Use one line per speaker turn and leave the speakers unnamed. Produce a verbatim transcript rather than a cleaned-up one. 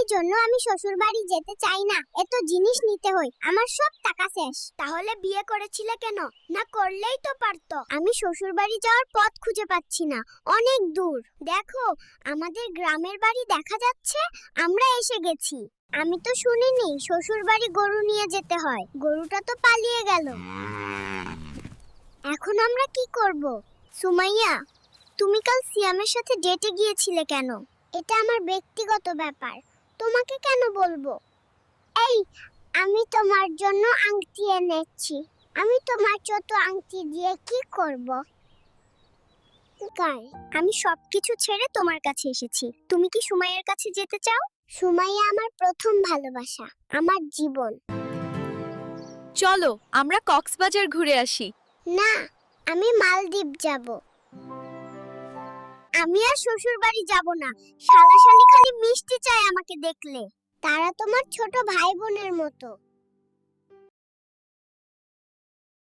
জন্য আমি শ্বশুর বাড়ি যেতে চাই না। এত জিনিস নিতে হয়, আমার সব টাকা শেষ। তাহলে বিয়ে করেছিলে কেন? না করলেই তো পারতো। আমি শ্বশুর বাড়ি যাওয়ার পথ খুঁজে পাচ্ছি না, অনেক দূর। দেখো, আমাদের গ্রামের বাড়ি দেখা যাচ্ছে, আমরা এসে গেছি। আমি তো শুনিনি শ্বশুর বাড়ি গরু নিয়ে যেতে হয়। গরুটা তো পালিয়ে গেল। এখন আমরা কি করব? সুমাইয়া, তুমি কাল সিয়ামের সাথে ডেটে গিয়েছিলে কেন? এটা আমার ব্যক্তিগত ব্যাপার, তোমাকে কেন বলবো? এই, আমি তোমার জন্য আংটি এনেছি। আমি তোমার ছোট আংটি দিয়ে কি করব? গাই, আমি সবকিছু ছেড়ে তোমার কাছে এসেছি। তুমি কি সুমাইয়ার কাছে যেতে চাও? সুমাইয়া আমার প্রথম ভালোবাসা, আমার জীবন।
চলো আমরা কক্সবাজার ঘুরে আসি।
না, আমি মালদ্বীপ যাব। আমি আর শ্বশুর বাড়ি যাব না। শালাশালি খালি মিষ্টি চায় আমাকে দেখলে। তারা তোমার ছোট ভাই বোনের মতো।